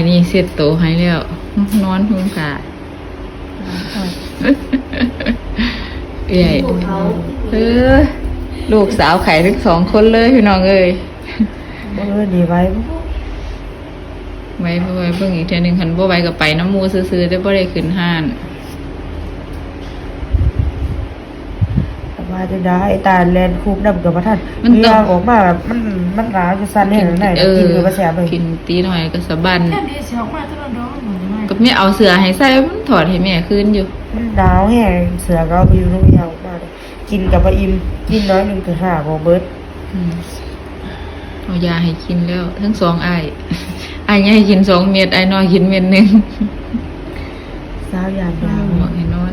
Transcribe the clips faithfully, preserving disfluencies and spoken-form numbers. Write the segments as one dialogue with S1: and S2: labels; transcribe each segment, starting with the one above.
S1: นี่เสร็จโตให้แล้วนอนหุ่มขาเอ้ยเออลูกสาวไข่ทั้งสองคนเลยพี่น้องเอ้ย
S2: เออดีไว้
S1: ไว้ไว้เพิ่งอีกเทีนึงคันบ่ไว้กับไปน้ำมูซื้อๆได้บ่ได้ขึ้นห้าน
S2: ว่าจะได้ตาแลนคูบดำกับพระท่านมันต้องออกมาแบบมันมันร้าวจะสั่นให้ไหนกินหรือว่าแสบเลย
S1: กินตีหน่อยก็สะบันก็ไม่เอาเสือให้ใส่มันถอดให้แม่คืนอยู่
S2: มันดาวแห้งเสือก็ไปอยู่ลูกยาวมาเลยกินกับปลาอิ่มกินน้อยหนึ่งถึงห้าโมเบิร์ต
S1: เอายาให้กินแล้วทั้งสองไอ้ไอ้ใหญ่กินสองเม็ดไอ้น้อยกินเม็ดหนึ่ง
S2: สาวยามดาว
S1: หมอกให้นอน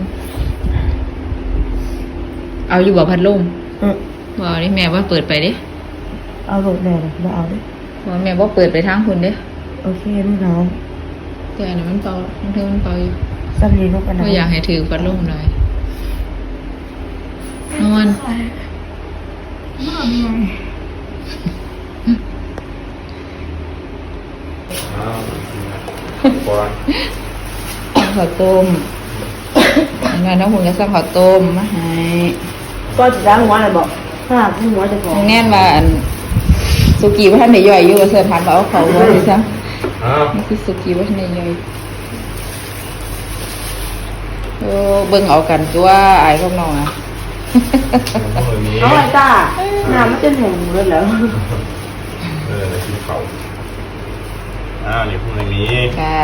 S1: เอาอยู่บ่พัดลมบ่นี่แม่ว่าเปิดไปดิ
S2: เอาโหลดแม่เลยมาเอาดิ
S1: บ่แม่ว่าเปิดไปทางคุณดิ
S2: โอเคลูกน้อง
S1: แต่อันนั้นมันเป่ามันเท่ามันเป่าอยู่
S2: สักนิดลูกกันนะ
S1: ก็อยากให้ถือพัดลมหน่อยนอนข้าวต้มงานน้องหุ่นจะสั่งข้าวต้มมาให้
S2: ก็จะล้างหัวอะไรบอกถ้าที่หัวจะพอ
S1: แน่นว่าสุกี้ว่าท่านไหนย่อยอยู่เสื้อผ้าเอาเขาไว้ดิซันี่คือสุกี้ว่าท่านไหนย่อยโอ้เบิ่งเอากันตัวไอ้พวกน้องอ่ะ
S2: น้องไอ้ตาน้ำมันจะหนุ่มเลยเหรอ
S3: เออในที่เขาอ้าวนี่พวกนี้
S1: ค่ะ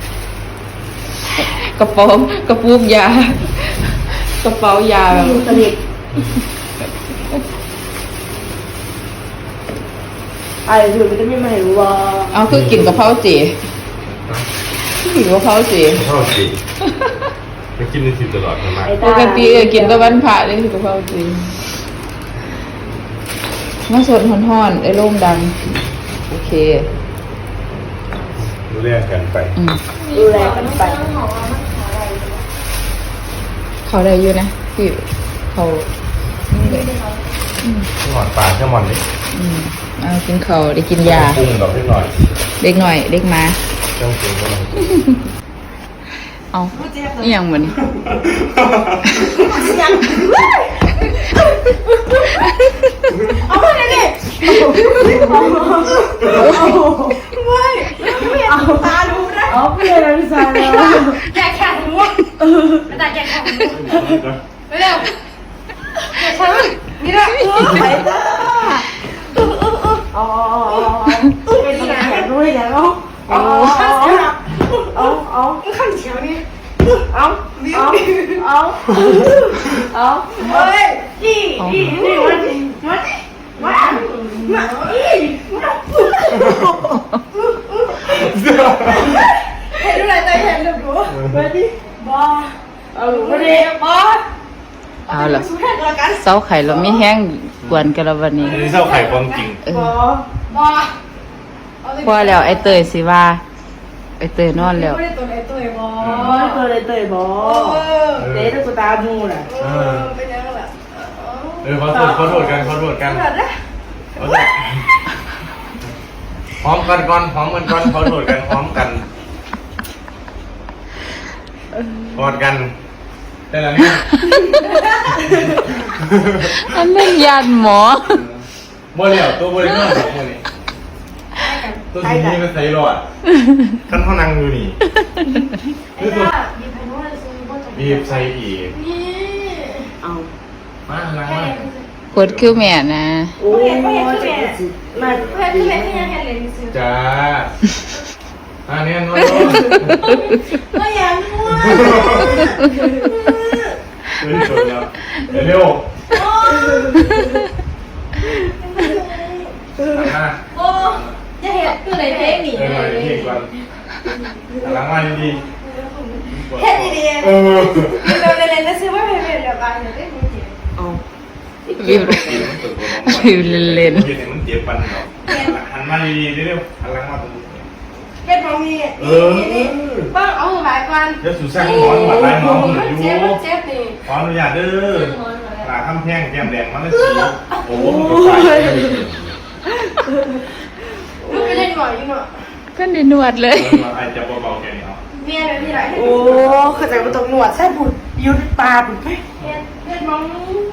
S1: กระป๋องกระปุกยากระเป๋ายาแบบ
S2: สนิทไอ้ถือมันจะไม่มาเห็นว่า
S1: เอาคือกินกะเพราจีกินกะเพราจี
S3: กะเพราจีไปกินในสิตลอดทำไม
S1: ปกติกินตะวันผ่าเลยกะเพราจีมาสดห่อนๆไอ้ร่มดังโอเค
S3: ดูแลกันไป
S2: ดูแลกันไป
S1: เขาได้อยู่นะพี่เขา
S3: หมอนปลาแค่หมอนนี้
S1: เอากินเขาได้กินยา
S3: ปรุงดอกเล็กหน่อย
S1: เล็กหน่อยเล็กมา
S3: ต้องปรุงกัน
S1: เอานี่ยังเหมือน
S2: เอาไปเลยดิไม่เอาตาดูนะเอาไปเลยพี่ชายแล้ว
S4: แกะแขนหัวไม่ได้แกะแขนหัวไปเร็วแกะฉันนี่แหละ
S2: ไปจ้าอ๋อเป็นแขนด้วยแล้วอ๋อเอาเอา
S4: ขั้นเฉียวนี่
S2: เอาเอาเอาเอาเฮ้ยนี่นี่นี่วันวันวันวันอี
S4: เห็นดูอะไรใจเห็นดูดู
S2: ไปดิบอเอาไปดิบอ
S1: เอาละเสาไข่เราไม่แห้งกวนกันแล้ววันนี้
S3: นี่เสาไข่ความจริง
S2: บอบอ
S1: พอแล้วไอเตยสิว่าไอเตยนอนแล้ว
S4: ไม่ได้ตัวไอเตยบอ
S2: ไม่เคยเลยเตยบอเตยตัวตามูน่ะ
S4: เออเป็นยังไงล่ะ
S3: เออขอโทษขอโทษกันขอโทษกันพร้อมกันก่อนพร้อมกันก่อนขอโทษกันพร้อมกันกอดกันได้แล้วเนี่ย
S1: อันนั้นยานหมอ
S3: บ่แล้วตัวบ่ได้นอนแบบนี้ตัวสีนี้มันใส่รอดขั้นเขานั่งอยู่นี่
S4: คือตัว
S3: บีบใส่อีก
S4: นี่
S2: เอา
S3: มานั่งมา
S1: ปวดคิ้วแม่นะ
S2: โอ้ยมา
S4: เพื่อนเพื่อนที่ยังเห็นเลยซื้อ
S3: จ้าอันนี้นอน
S4: ก็ยังง่วง
S3: เฮ้ยชนแล้วเร็ว
S4: โอ้จะเห็นคืออะไรเพลงหนี
S3: เออเพลงก่อนหลังมาดี
S4: เฮ็ดดีๆเออเราเล่นๆซื้อว่าเพลงเดียวกันเนี่ยได้จริง
S2: อ๋อ
S1: วิววิวเล่น
S3: เห็นมันเจ็บปันเนาะหันมาดีๆเร็วหันหลังมาตรงนี้
S4: เฮ็ดตรงนี้
S3: เออ
S4: บ้างเอาหลายกัน
S3: เดี๋ยวสุสานหมอนหมอนลายหมอนอยู่
S4: เจ็บเจ็บนี่
S3: ขออนุญาตเด้อปลาข้ามแพงแก้มแดงมันเลยสีโอ้โหมันก็ไป
S4: ลูกไปเล่นหน่อยอยู่เนาะ
S1: ก็ได้นวดเลย
S3: ไอจะเบาๆแกนี่เอา
S4: เมียเลยพี่ไร
S2: โอ้เข้าใจว่าต้องหนวดแซ่บบุดยุดปลาบุดไป
S4: เมียเมียมอง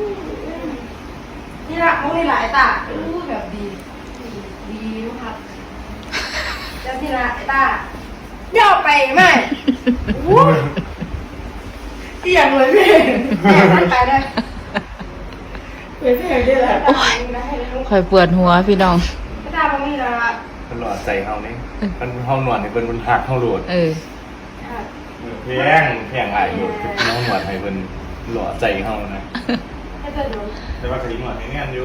S4: นี่ละมองนี่หลายตาอู้แบบดีดีนะครับเจ้าที่ละไอ้ตาย่อไปไหมอู้เกี่ยงเลยพี่แม่ท่านไปเลย
S2: เป็นแพงด้วยแหละ
S1: คอยปวดหัวพี่น้อง
S4: ไอ้ตามองนี่ละ
S3: มันหลอดใจเฮานี่มันเฮาหนวดนี่เพิ่นบนหักเฮาโหลด
S1: เออ
S3: แพงแพงหลายอยู่คือน้องหนวดให้เพิ่นหลอดใจเฮานะ
S4: ให้เธอดู
S3: แต่ว่าคดีหนวดให้แน่นอยู่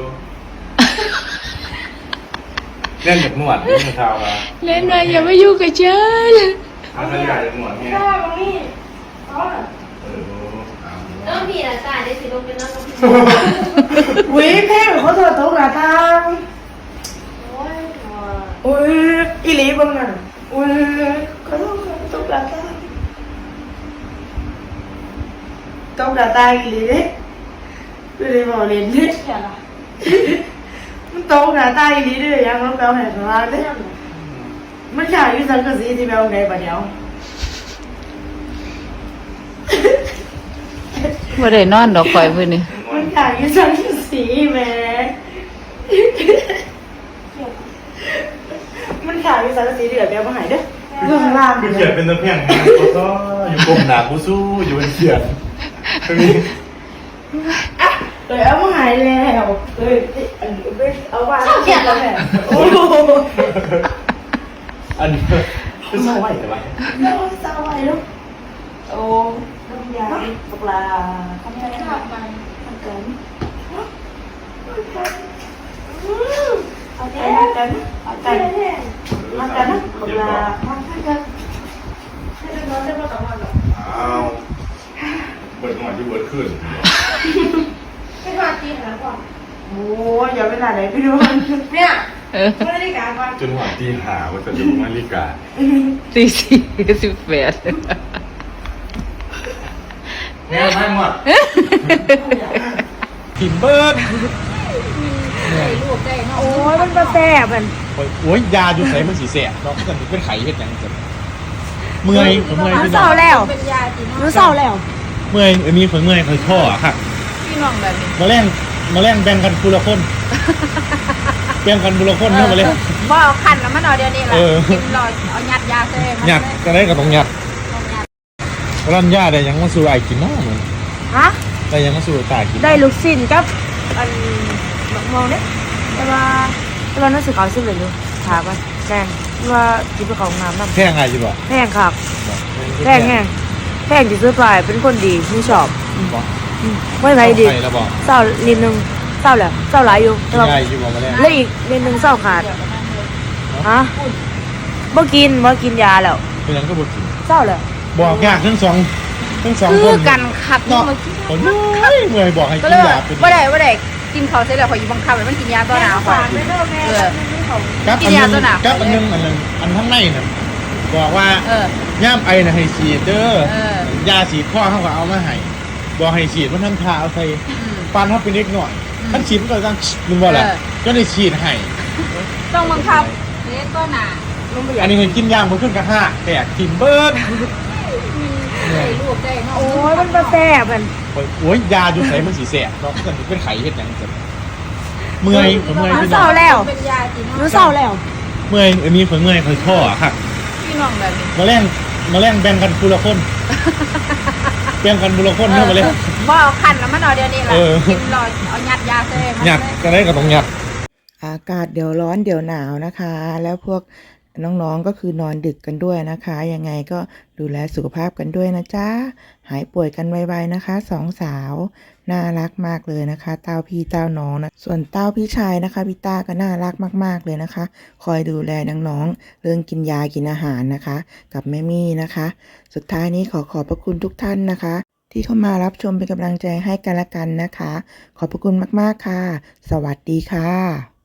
S3: แน่นแบบหนวดนี่มันเท่าว่า
S1: เล่นมาอย่ามายุ่งกับฉัน
S3: ถ้าขยายจากหนวด
S4: ไอ้
S3: เนี่ย
S4: ตามองนี่อ๋อ
S3: เออเอา
S5: น้องพี่นะจ่ายได้สิลงเป็นน้องพี่
S2: วิแพงเขาถอดโต๊ะหน้าทาง
S4: โอ้ย
S2: อุ้ยอีหลีบ้างนั่นอุ้ยเขาต้องโต๊ะหน้าทางโต๊ะหน้าทางอีหลีเด้ไม่ได้บอกเล่นเด้
S4: เขียนละ
S2: มันโต๊ะหน้าทางอีหลีเด้ยังเราแปลว่าไหนสลาเด้มันขายอยู่สังกะสีที่แปลว่าไหนปะเดี๋ยว
S1: ไม่ได้นอนดอกคอยมือนี่
S2: มันขายอยู่สังกะสีแหม่มันขายอยู่สังกะสีเดือดแปลว่าไหนเด้อเรื่องล่าง
S3: คือ
S2: เด้
S3: เขียน
S2: อ
S3: เป็นตะเพียงนะก็อยู่กลมหนากูสู้อยู่บนเขียนตรงนี้
S2: อ่ะเลยเอามาหายแล้วเลยอันนี้เอาว่าเอาเขียนแล้วแหละโอ้โห
S3: อันนี้คือสมัยแต่ว่า
S2: แล้วเศร้าไว้ลูกโอ้น้ำยาปลาทำไง
S4: ข้าวไป
S2: ทำกันเอาใจมากันเอาใจมากันนะปลามากัน
S4: ให้เดินรถได้มาต่อวันหรอ
S3: อ้าวเบิดหน่อยที่เบิดขึ้น
S4: ให้มาตีหาก่อน
S2: โอ้ยอย่าไปไหนไหนพี่ดู
S4: เนี่ย
S1: เออ
S4: ไม่ได้การก่อน
S3: จนหัวตีหาว่าจะดูนาฬิกา
S1: ตีสี่สิบแปด
S3: แง่ไม่หมดกินเบิร์ด
S2: โอ้ยมันมาแซ่บมัน
S3: โอ้ยยาอยู่ใส่มันสีแสบเนาะมันเป็นไข่เห็ดยังจะเมื่อยผมเมื่อย
S2: รู้
S3: พี่
S2: เศ
S3: น้
S2: ร้า
S3: อง
S2: แล้ว
S4: เป็นยาจีน
S2: รู้เศร้าแล้ว
S3: เมื่อยอันนี้ผมเมื่อยคอยข้อค่ะ
S1: พี่น้องแบบนี้
S3: มาแล่งมาแล่งแบ่งกันคนละคนแบ่งกันคนละคนเนาะมาเล่น
S5: บ่เอาขันแล้วมันเอาเดียวนี้แหละ
S3: เออ
S5: กินรอเอายัดยาเซ่มัน
S3: หยัดก็ได้ก็ต้องหยัดร้านยาได้ยังมาสู่ไอ้กินเนาะเหมือน
S2: ฮะ
S3: ได้ยังมาสู่ตายกิน
S2: ได้ลูกชิ้นกับอันบักมองเนี่ยแต่ว่าแต่ว่าน่าสึกเอาซื้อเลยอยู่ถามว่าแพงว่าจิบไปของน้ำน้ำ
S3: แพงไงจีบอก
S2: แพงครับแพงแห้งแพงที่ซื้อไปเป็นคนดีไม่ชอบ
S3: บอก
S2: ไม่ไหวดี
S3: ใครแล้วบอก
S2: เศร้านิดนึงเศร้าแหละเศร้าหลายอยู่แต่ว่า
S3: ใหญ่อยู่บอกมาแล้ว
S2: แล้วอีกนิดนึงเศร้าขาดฮะบ่กินบ่กินยาแล้ว
S3: เป็นยังก็บอกกิน
S2: เศร้าแล้ว
S3: บอกยากทั้งสองทั้งสอง
S5: คื
S3: ค
S5: อน กันขับ
S3: เนาะ
S5: เมื่อกี้
S3: ผมเมื่อยเมื่อยบอกให้
S5: ก็
S3: กิ
S5: เล
S3: น
S5: ย
S3: ยาเป็น
S5: ว่าได้ว่าได้กินเขาเสร็จแล้วขออยู่บังคับให้มันกินยาตัวหนาวก่อนเออ
S3: กับ
S5: กิ
S3: อั
S5: น
S3: น
S5: ยา
S3: นึง
S5: ตัวหนาว
S3: กับอันนึงอันนึงอันข้างในน่ะบอกว่า
S5: เออย่
S3: ามไอน่ะให้ฉีดเด้อ
S5: เออ
S3: ยาฉีดข้อเขาก็เอามาให้บอกให้ฉีดมันทำทาเอาใส่ฟันเขาเป็นเล็กหน่อยท่านฉีดมันก็ต้องมึงบอกแหละก็ได้ฉีดให้
S5: ต้องบังคับเล็ตัวหนา
S3: อันนี้เห็นกินยางมันขึ้นกระห้าแตกทิมเบิร์ด
S5: ได้ลูกได้น้อง
S2: โอ้ยมันมาแซ่บมัน
S3: โอ้ยยาอยู่ใส่มันสีแสบเนาะมันเป็นไข่เห็ดยังจะเมื่อยผมเมื่อย
S2: รู้
S3: พี่
S2: เศ
S3: น้
S2: ร้า
S3: อง
S2: แล้ว
S5: เป็นยาจีน
S2: รู้เศร้าแล้ว
S3: เมื่อยอันนี้ผมเมื่อยคอยข้อค่ะ
S5: พี่น้องแบบนี้
S3: มาแล่งมาแล่งแบ่งกันคนละคนแบ่งกันคนละคนเนาะมาเล่น
S5: บ่เอาขันแล้วมันเอาเดียวนี้แหละ
S3: เออ
S5: กินรอเอายัดยาเซ่มัน
S3: หยัดก็ได้ก็ต้องหยัด
S1: อากาศเดี๋ยวร้อนเดี๋ยวหนาวนะคะ แล้วพวกน้องๆก็คือนอนดึกกันด้วยนะคะ ยังไงก็ดูแลสุขภาพกันด้วยนะจ๊ะ หายป่วยกันไวๆนะคะสองสาวน่ารักมากเลยนะคะ เต้าพี่เต้าน้องนะส่วนเต้าพี่ชายนะคะพี่ต้าก็น่ารักมากๆเลยนะคะ คอยดูแลน้องๆเรื่องกินยากินอาหารนะคะ กับแม่มี่นะคะ สุดท้ายนี้ขอขอบพระคุณทุกท่านนะคะ ที่เข้ามารับชมเป็นกำลังใจให้กันและกันนะคะ ขอบพระคุณมากๆค่ะ สวัสดีค่ะ